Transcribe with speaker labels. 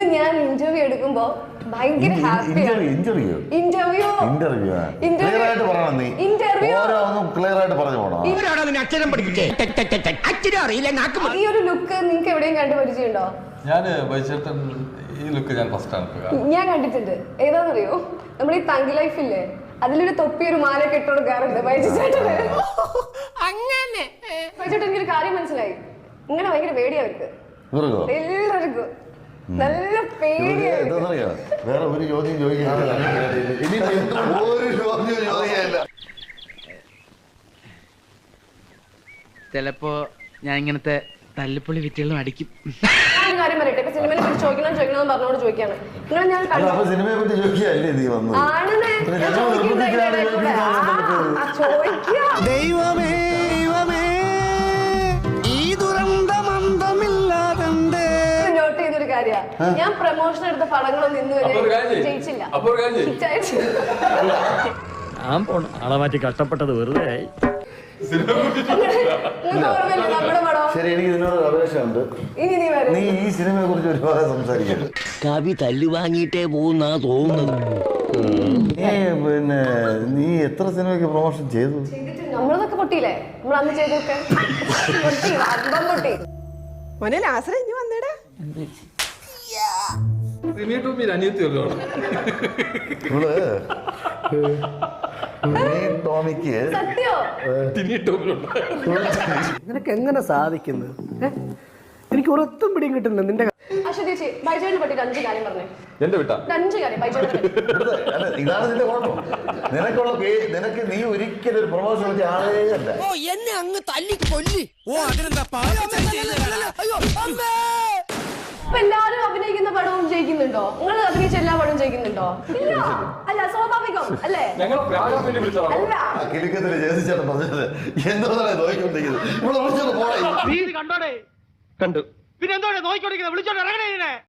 Speaker 1: ഞാൻ ഇന്റർവ്യൂ എടുക്കുമ്പോ ഭയങ്കര ഹാപ്പിയാണ്.
Speaker 2: ഇന്റർവ്യൂ
Speaker 1: ഈ ഒരു ലുക്ക് നിങ്ങൾക്ക് എവിടെയും കണ്ടു പരിചയമുണ്ടോ?
Speaker 3: ഈ ലുക്ക് ഞാൻ ഫസ്റ്റ് ആണ്
Speaker 1: ഞാൻ കണ്ടിട്ടുണ്ട്. ഏതാണെന്നറിയോ, നമ്മുടെ ഈ തങ്കി ലൈഫില്ലേ, അതിലൊരു തൊപ്പി ഒരു മാലയൊക്കെ ഇട്ട് കൊടുക്കാറുണ്ട് ബൈജു ചേട്ടന്. അങ്ങനെ ബൈജു ചേട്ടൻ എനിക്കൊരു കാര്യം മനസ്സിലായി, ഇങ്ങനെ ഭയങ്കര പേടിയാ അവർക്ക്, എല്ലാവർക്കും നല്ല പേടിയാ.
Speaker 2: വേറെ ഒരു ചോദ്യം ചോദിക്കാനില്ല.
Speaker 4: ചിലപ്പോ ഞാൻ ഇങ്ങനത്തെ തല്ലിപ്പൊളി വിറ്റുകളും അടിക്കും.
Speaker 1: കാര്യം പറയട്ടെ, ഇപ്പൊ സിനിമയെ പറ്റി ചോദിക്കണം പറഞ്ഞോട് ചോദിക്കാണ്. നിങ്ങൾ ഞാൻ
Speaker 2: സിനിമയെ പറ്റി ചോദിക്കുകയല്ലേ നീ വന്നു?
Speaker 5: ദൈവമേ ഈ ദുരന്തമന്തമില്ലാതെ
Speaker 1: നോട്ട് ചെയ്തൊരു കാര്യ, ഞാൻ പ്രൊമോഷൻ എടുത്ത പടങ്ങളൊന്നും ഇന്ന് വരെ ജയിച്ചില്ല.
Speaker 6: ആളെ മാറ്റി കഷ്ടപ്പെട്ടത് വെറുതെ ആയി.
Speaker 2: ശരി, എനിക്ക് നിന്നോട് അപേക്ഷയുണ്ട്. നീ ഈ സിനിമയെ കുറിച്ച് ഒരുപാട് സംസാരിക്കണം.
Speaker 5: കവി തല്ലു വാങ്ങിയിട്ടേ പോകുന്നാ തോന്നുന്നത്.
Speaker 2: പിന്നെ നീ എത്ര സിനിമയ്ക്ക് പ്രൊമോഷൻ ചെയ്തു?
Speaker 1: നമ്മളതൊക്കെ പൊട്ടിയില്ലേ, നമ്മൾ അന്ന് ചെയ്തൊക്കെ പൊട്ടി.
Speaker 7: മോനെ ലാസറ ഇനി വന്നേടാ. നിനക്ക് എങ്ങനെ സാധിക്കുന്നത്? എനിക്ക് ഒരൊത്തും പിടിയും കിട്ടുന്നില്ല നിന്റെ.
Speaker 1: ബൈജോനെ പറ്റി 5 കാര്യം പറഞ്ഞേ.
Speaker 2: ഇതാണ് നിന്റെ കുഴപ്പം. നിനക്ക് നീ ഒരിക്കലും ഒരു പ്രൊമോഷൻ വെച്ച ആളേ അല്ല.
Speaker 5: എന്നെ അങ്ങ് തല്ലി കൊല്ലി.
Speaker 1: ഇപ്പൊ എല്ലാരും അഭിനയിക്കുന്ന പടവും ജയിക്കുന്നുണ്ടോ? നിങ്ങൾ അഭിനയിച്ച എല്ലാ പടവും ജയിക്കുന്നുണ്ടോ? ഇല്ല. അല്ല, സ്വാഭാവികം അല്ലേ?
Speaker 2: കിലുക്കത്തില് ജയിച്ചാണ് പറഞ്ഞത്. എന്തോന്നാണ് നോക്കിക്കൊണ്ടിരിക്കുന്നത്?
Speaker 6: കണ്ടു പിന്നെ എന്തോടെ നോക്കിക്കൊണ്ടിരിക്കുന്നത്? വിളിച്ചോണ്ട് ഇറങ്ങണേ.